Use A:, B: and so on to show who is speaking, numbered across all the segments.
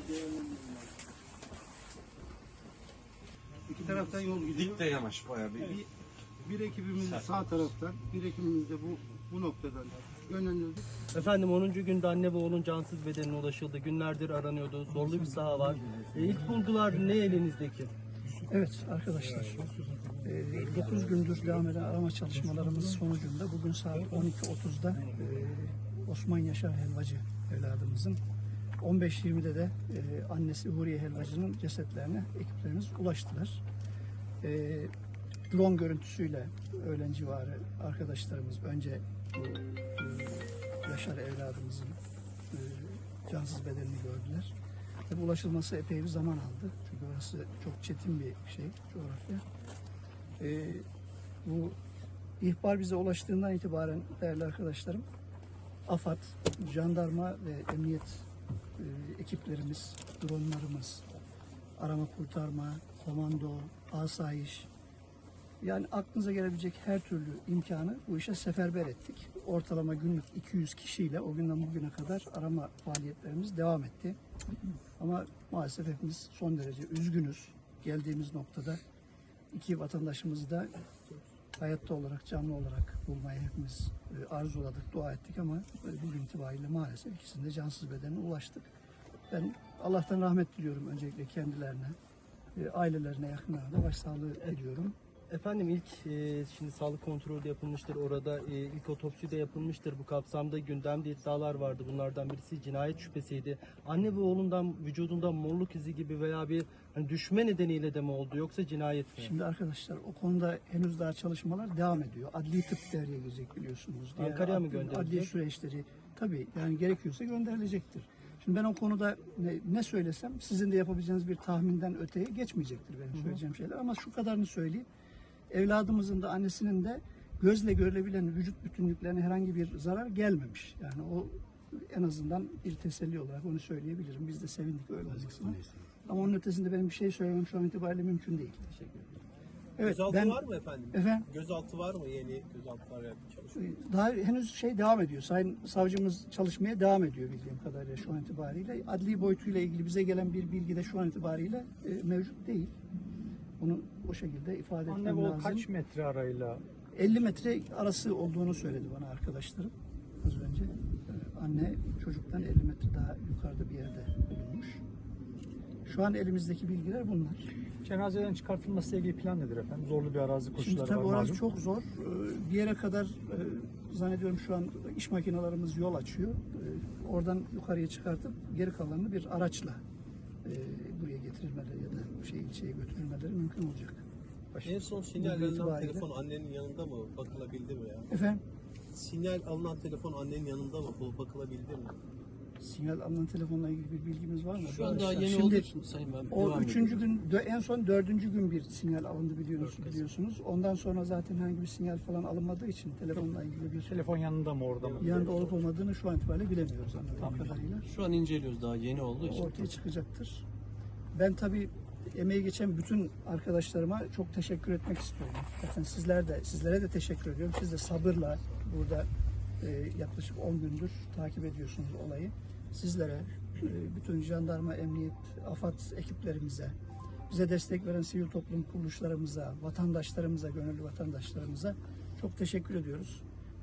A: İki taraftan yol gidiyor.
B: Dik de yamaç bayağı bir.
A: Bir ekibimiz sağ taraftan, bir ekibimiz de bu noktadan yönlendirdik.
C: Efendim 10. günde anne ve oğlun cansız bedenine ulaşıldı. Günlerdir aranıyordu. Zorlu bir saha var. İlk bulgular ne elinizdeki?
D: Evet arkadaşlar, 9 gündür devam eden arama çalışmalarımız sonucunda bugün saat 12.30'da Osman Yaşar Helvacı evladımızın 15.20'de de annesi Huriye Helvacı'nın cesetlerine ekiplerimiz ulaştılar. Drone görüntüsüyle öğlen civarı arkadaşlarımız önce bu Yaşar evladımızın cansız bedenini gördüler. Tabii ulaşılması epey bir zaman aldı. Çünkü orası çok çetin bir şey, coğrafya. Bu ihbar bize ulaştığından itibaren değerli arkadaşlarım, AFAD, jandarma ve emniyet ekiplerimiz, dronlarımız, arama kurtarma, komando, asayiş, yani aklınıza gelebilecek her türlü imkanı bu işe seferber ettik. Ortalama günlük 200 kişiyle o günden bugüne kadar arama faaliyetlerimiz devam etti. Ama maalesef hepimiz son derece üzgünüz. Geldiğimiz noktada iki vatandaşımızı da hayatta olarak, canlı olarak bulmayı hepimiz arzuladık, dua ettik ama bugün itibariyle maalesef ikisinin de cansız bedenine ulaştık. Ben Allah'tan rahmet diliyorum öncelikle kendilerine, ailelerine, yakınlarına da başsağlığı diliyorum.
C: Efendim ilk şimdi sağlık kontrolü de yapılmıştır. Orada ilk otopsi de yapılmıştır. Bu kapsamda gündemde iddialar vardı. Bunlardan birisi cinayet şüphesiydi. Anne ve oğlundan vücudunda morluk izi gibi veya bir hani düşme nedeniyle de mi oldu yoksa cinayet mi?
D: Şimdi arkadaşlar o konuda henüz daha çalışmalar devam ediyor. Adli tıp devreye girecek biliyorsunuz.
C: Ankara'ya mı gönderilecek?
D: Adli süreçleri tabii yani gerekiyorsa gönderilecektir. Şimdi ben o konuda ne söylesem sizin de yapabileceğiniz bir tahminden öteye geçmeyecektir benim söyleyeceğim şeyler. Ama şu kadarını söyleyeyim. Evladımızın da annesinin de gözle görülebilen vücut bütünlüklerine herhangi bir zarar gelmemiş. Yani o en azından bir teselli olarak onu söyleyebilirim. Biz de sevindik öyle olmasına. Ama onun ötesinde benim bir şey söylemem şu an itibariyle mümkün değil. Teşekkür ederim. Evet,
E: Gözaltı var mı efendim?
D: Efendim?
E: Gözaltı var mı? Yeni gözaltılar çalışıyor.
D: Daha henüz devam ediyor. Sayın savcımız çalışmaya devam ediyor bildiğim kadarıyla şu an itibariyle. Adli boyutuyla ilgili bize gelen bir bilgi de şu an itibariyle mevcut değil. Bunu o şekilde ifade etmem lazım.
F: Anne o kaç metre arayla?
D: 50 metre arası olduğunu söyledi bana arkadaşlarım az önce. Anne çocuktan 50 metre daha yukarıda bir yerde bulunmuş. Şu an elimizdeki bilgiler bunlar.
F: Cenazeden çıkartılması ile ilgili plan nedir efendim? Zorlu bir arazi
D: Şimdi
F: koşulları
D: tabii
F: var
D: orası
F: malum.
D: çok zor. Bir yere kadar zannediyorum şu an iş makinelerimiz yol açıyor. Oradan yukarıya çıkartıp geri kalanını bir araçla buraya getirilmeleri ya da ilçeye götürülmeleri mümkün olacak.
E: En son sinyal alınan telefon annenin yanında mı? Bakılabildi mi ya?
D: Efendim?
E: Sinyal alınan telefon annenin yanında mı? Bakılabildi mi?
D: Sinyal alınan telefonla ilgili bir bilgimiz var mı?
C: Şu an daha yeni
D: Şimdi,
C: olduğu için Sayın ben
D: o
C: devam
D: üçüncü
C: ediyorum.
D: gün, en son 4. gün bir sinyal alındı biliyorsunuz. Ondan sonra zaten herhangi bir sinyal falan alınmadığı için telefonla ilgili bir
F: Telefon yanında mı orada mı?
D: yanında olup olmadığını şu an itibariyle bilemiyoruz anladığım kadarıyla.
C: Şu an inceliyoruz daha yeni olduğu için.
D: Ortaya çıkacaktır. Ben tabii emeği geçen bütün arkadaşlarıma çok teşekkür etmek istiyorum. Zaten sizlere de teşekkür ediyorum. Siz de sabırla burada yaklaşık 10 gündür takip ediyorsunuz olayı. Sizlere, bütün jandarma, emniyet, AFAD ekiplerimize, bize destek veren sivil toplum kuruluşlarımıza, vatandaşlarımıza, gönüllü vatandaşlarımıza çok teşekkür ediyoruz.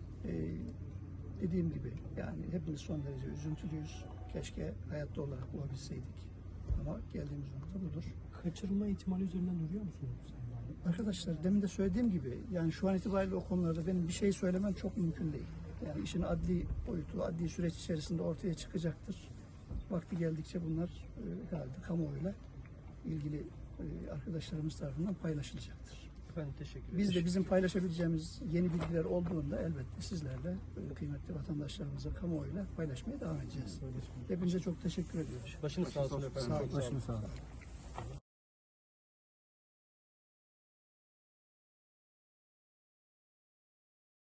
D: Dediğim gibi yani hepimiz son derece üzüntülüyüz. Keşke hayatta olarak bulabilseydik. Ama geldiğimiz nokta budur.
F: Kaçırılma ihtimali üzerinden duruyor musunuz?
D: Arkadaşlar demin de söylediğim gibi yani şu an itibariyle o konularda benim bir şey söylemem çok mümkün değil. Yani işin adli boyutu, adli süreç içerisinde ortaya çıkacaktır. Vakti geldikçe bunlar herhalde kamuoyuyla ilgili arkadaşlarımız tarafından paylaşılacaktır.
C: Efendim teşekkür ederim.
D: Biz de bizim paylaşabileceğimiz yeni bilgiler olduğunda elbette sizlerle kıymetli vatandaşlarımıza kamuoyuyla paylaşmaya devam edeceğiz. Hepinize çok teşekkür ediyoruz.
C: Başınız sağ olsun efendim.
D: Sağ olun.
C: Çok sağ olun.
D: Sağ olun.